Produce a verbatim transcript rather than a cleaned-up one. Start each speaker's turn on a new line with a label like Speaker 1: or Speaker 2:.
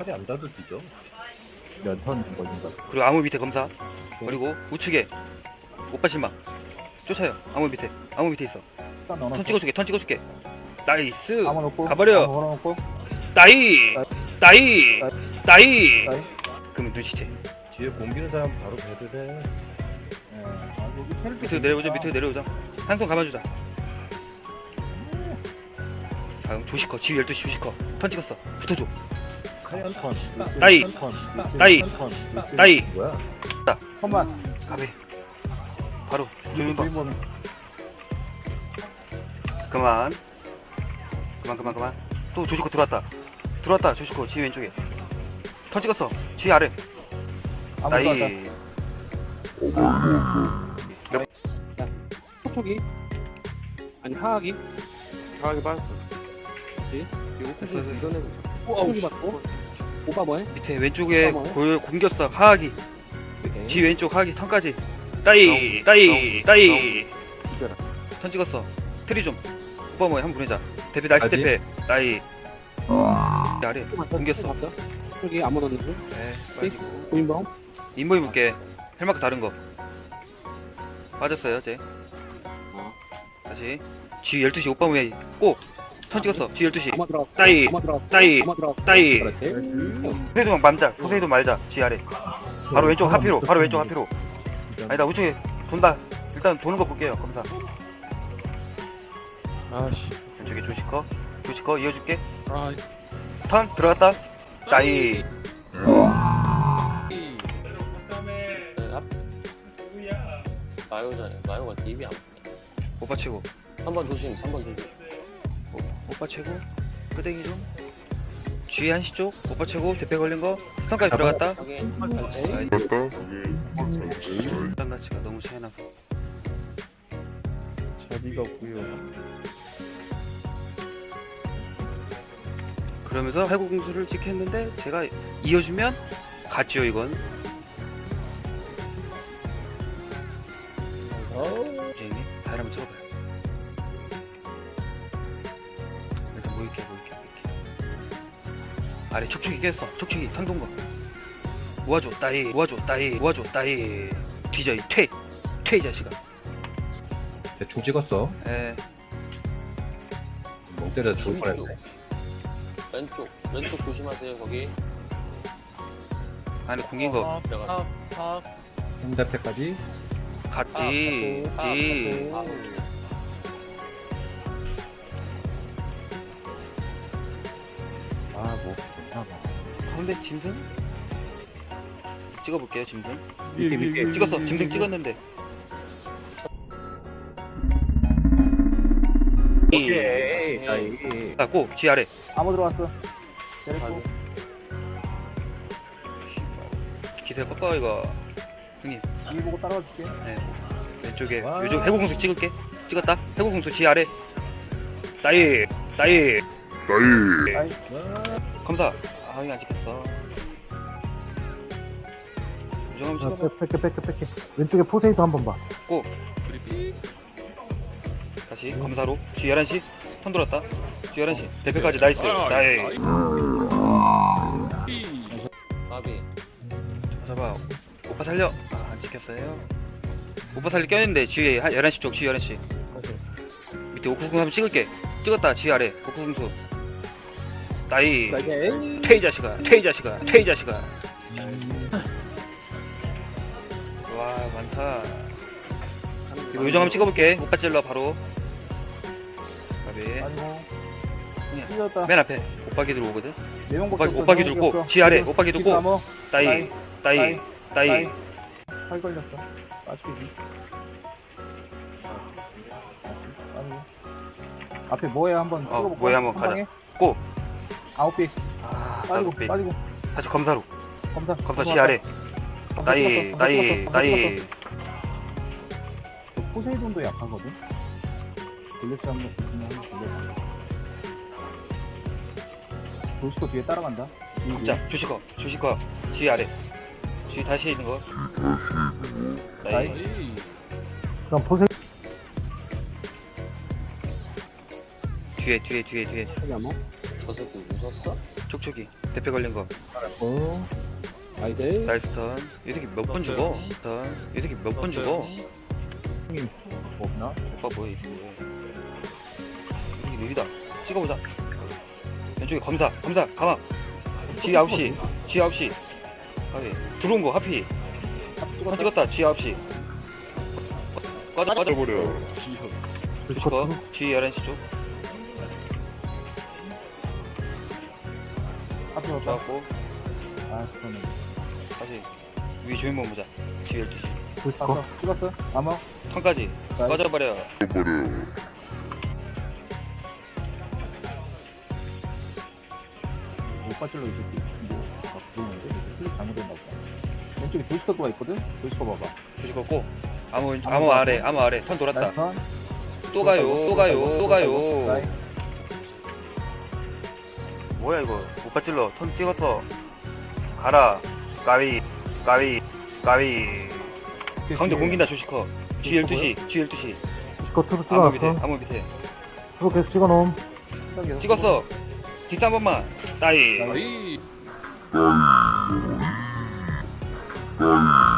Speaker 1: 칼이 안 닿아도 뒤져.
Speaker 2: 연턴 걸린다.
Speaker 3: 그리고 암호 밑에 검사. 그리고 우측에 오빠 실망 쫓아요. 암호 밑에 암호 밑에 있어.
Speaker 2: 딱 넣어놨어.
Speaker 3: 턴 찍어줄게 턴 찍어줄게. 나이스.
Speaker 2: 아무 넣고.
Speaker 3: 가버려.
Speaker 2: 아무 걸어놓고.
Speaker 3: 나이 나이 나이.
Speaker 2: 나이.
Speaker 3: 그러면 눈치채.
Speaker 1: 뒤에 공기는 사람 바로 배를 해.
Speaker 2: 예. 아, 여기 텔
Speaker 3: 밑으로 내려오자 밑으로 내려오자. 한 손 감아주자. 다음 조시커 지휘 열두 시 조시커 턴 찍었어. 붙어줘.
Speaker 1: 칼이 한 턴.
Speaker 3: 나이.
Speaker 1: 한 턴.
Speaker 3: 나이.
Speaker 1: 한 턴.
Speaker 3: 나이.
Speaker 1: 뭐야?
Speaker 2: 험만.
Speaker 3: 가베 바로 조용히 봐.
Speaker 2: 주인공.
Speaker 3: 그만 그만 그만 그만. 또 조시커 들어왔다 들어왔다. 조시커 지휘 왼쪽에 턴 찍었어. 지휘 아래.
Speaker 2: 아무
Speaker 3: 나이.
Speaker 4: 톡톡이 아니 하악이
Speaker 5: 강하게 빠졌어.
Speaker 4: 그치?
Speaker 3: 됐어, 됐어.
Speaker 5: 이겨내고
Speaker 4: 톡톡이 맞고 오빠 뭐해?
Speaker 3: 밑에 왼쪽에
Speaker 4: 어머.
Speaker 3: 골 공겼어. 하악이
Speaker 5: 오케이.
Speaker 3: 지 왼쪽 하악이 턴까지. 따이 따이 따이.
Speaker 5: 진짜라.
Speaker 3: 턴 찍었어. 트리 좀 오빠 뭐해 한번 보내자. 대패 나이스
Speaker 1: 어디?
Speaker 3: 대패 나이. 아래 공겼어.
Speaker 4: 맞죠? 톡톡이 아무 넣는 중
Speaker 3: 네 빠지고.
Speaker 4: 고인범
Speaker 3: 인모 입을게. 헬마크 다른 거 빠졌어요 쟤.
Speaker 4: 어.
Speaker 3: 다시 지 열두 시 오빠 뭐해 꼭턴 찍었어. 지 열두 시
Speaker 4: 아마 들어
Speaker 3: 따이
Speaker 4: 아마 들어
Speaker 3: 따이
Speaker 4: 아마 들어
Speaker 3: 따이.
Speaker 4: 그렇지
Speaker 3: 포세이돈 맘자 포세이돈 말자. 지 아래 바로 왼쪽 하피로 바로 왼쪽 하피로. 아니다 우측에 돈다. 일단 도는 거 볼게요. 검사
Speaker 5: 아씨.
Speaker 3: 왼쪽에 조시커 조시커 이어줄게.
Speaker 5: 아.
Speaker 3: 턴 들어갔다. 따이.
Speaker 5: 마요잖아요. 마요가 딥이 안 보네.
Speaker 3: 오빠 최고.
Speaker 5: 삼 번 조심. 삼 번 조심.
Speaker 3: 오빠 최고. 끄댕이 좀. G 한시 쪽. 오빠 최고. 대패 걸린 거. 스턴까지 들어갔다.
Speaker 5: 확인.
Speaker 3: 스턴가치가 너무 차이 나서.
Speaker 1: 자비가 없고요.
Speaker 3: 그러면서 해고 공수를 찍혔는데 제가 이어주면 갔지요 이건. 선생님 다리 한번 찍어봐요. 일단 모일게 모일게 모일게. 아래 촉촉이 깼어. 촉촉이 턴 거 모아줘 따이 모아줘 따이 모아줘 따이. 뒤져 이 퇴! 퇴 이 자식아.
Speaker 1: 대충 찍었어.
Speaker 3: 에
Speaker 1: 멍 때려 죽을 뻔했네.
Speaker 5: 왼쪽. 왼쪽 조심하세요. 거기.
Speaker 3: 안에 공긴 거
Speaker 5: 들어가.
Speaker 1: 홍대패까지.
Speaker 3: 갔지 지.
Speaker 5: 아.
Speaker 1: 아, 뭐. 좋나 봐.
Speaker 3: 가운데 짐승? 찍어볼게요 짐승.
Speaker 1: 밑에, 밑에.
Speaker 3: 찍었어 짐승 찍었는데.
Speaker 1: 오케이. 나이.
Speaker 3: 아, 고! 지 아래.
Speaker 2: 아무 들어왔어. 때렸고.
Speaker 3: 기세 꺾어 이거. 형님.
Speaker 2: 뒤 보고 따라와 줄게.
Speaker 3: 네. 왼쪽에
Speaker 1: 와.
Speaker 3: 요즘 해고공수 찍을게. 찍었다. 해고공수 지 아래. 나이. 나이.
Speaker 2: 아이.
Speaker 3: 검사. 아 이거 안 찍혔어. 요정 한번 찍어봐.
Speaker 2: 뺄게 뺄게 뺄게. 왼쪽에 포세이도 한번 봐.
Speaker 3: 다시 검사로. 지 열한 시. 턴 돌았다. 지 열한 시. 대표까지 나이스. 나이.
Speaker 5: 가비.
Speaker 3: 잡아. 오빠 살려. 아, 안 찍혔어요. 오빠 살리 껴있는데 지휘 한 열한 시 쪽. 지 열한 시. 밑에 오크궁 한번 찍을게. 찍었다. 지 아래. 오크궁수. 나이. 퇴이 자식아. 퇴이 자식아. 퇴이 자식아. 와 많다. 이거 요정 한번 찍어볼게. 오빠 찔러 바로. 가비.
Speaker 2: 아니고.
Speaker 3: 그냥
Speaker 2: 찢었다.
Speaker 3: 맨 앞에 오빠 기들 오거든.
Speaker 2: 네
Speaker 3: 오빠
Speaker 2: 명밖에 없어.
Speaker 3: 오빠
Speaker 2: 네
Speaker 3: 기들
Speaker 2: 명밖에
Speaker 3: 고.
Speaker 2: 없어.
Speaker 3: 지 아래.
Speaker 2: 뒤로,
Speaker 3: 오빠 기들
Speaker 2: 뒤로
Speaker 3: 고.
Speaker 2: 감어.
Speaker 3: 따이. 따이. 따이.
Speaker 2: 팔 걸렸어. 빠지기. 아니. 앞에 뭐해 한번
Speaker 3: 어,
Speaker 2: 찍어볼까?
Speaker 3: 뭐해 한번
Speaker 2: 한
Speaker 3: 가자.
Speaker 2: 방에?
Speaker 3: 고.
Speaker 2: 아홉 개.
Speaker 3: 아,
Speaker 2: 빠지고
Speaker 3: 나도
Speaker 2: 빠지고.
Speaker 3: 다시 검사로.
Speaker 2: 검사.
Speaker 3: 검사 지 아래.
Speaker 2: 검사
Speaker 3: 나이.
Speaker 2: 찍었어, 검사
Speaker 3: 나이.
Speaker 2: 찍었어, 검사
Speaker 3: 나이.
Speaker 2: 찍었어. 포세이돈도 약하거든. 블랙스 한번 있으면 한번 돌려봐. 조시코 뒤에 따라간다. 뒤에 뒤에.
Speaker 3: 자, 주시커. 주시커. 지 아래. 지 다시 있는 거. 나이.
Speaker 2: 나이. 그럼 포세.
Speaker 3: 뒤에 뒤에 뒤에 뒤에.
Speaker 4: 톡톡이 아마
Speaker 5: 저 새끼 웃었어?
Speaker 3: 촉촉이 대패 걸린 거
Speaker 2: 어.
Speaker 4: 아이들.
Speaker 3: 나이스 턴. 이 새끼 몇 번 죽어? 턴. 이 새끼 몇 번 죽어?
Speaker 2: 형님 없나?
Speaker 3: 오빠 뭐야 이게? 이게 느리다. 찍어보자. 왼쪽에 검사, 검사, 가마. 지 아홉 시, 지 아홉 시. 아니 들어온 거 하피. 한 찍었다. 지 아홉 시. 꺼져 꺼져 버려. 주시거. 지 열한 시 쪽.
Speaker 2: 앞에 왔다.
Speaker 3: 좋았고
Speaker 2: 아 그러네.
Speaker 3: 다시 위 조명만 보자. 지 열두 시.
Speaker 2: 봤어. 찍었어. 아마.
Speaker 3: 턴까지
Speaker 2: 나이스.
Speaker 3: 꺼져버려.
Speaker 2: 못 빠질러 이 새끼. 뭐, 아, 그러는데? 이 새끼 클릭 잘못됐나 보다. 왼쪽에 조시커가 있거든? 조시커 봐봐.
Speaker 3: 주시고 아무 아무 아래 아무 아래 턴 돌았다.
Speaker 2: 나이스 턴.
Speaker 3: 또 가요 또 가요 또 가요.
Speaker 2: 나이.
Speaker 3: 뭐야 이거 못 받질러 턴 찍었어. 가라 까위 까위 까위. 가운데 공긴다 조시커. 지 열두 시 지 열두 시.
Speaker 1: 스커 투로
Speaker 3: 아무 밑에
Speaker 1: 찍어놨어.
Speaker 3: 아무 밑에
Speaker 1: 투로 계속 찍어놓음.
Speaker 3: 찍었어. 뒷한 번만 따이.
Speaker 5: 아이.
Speaker 3: 따이.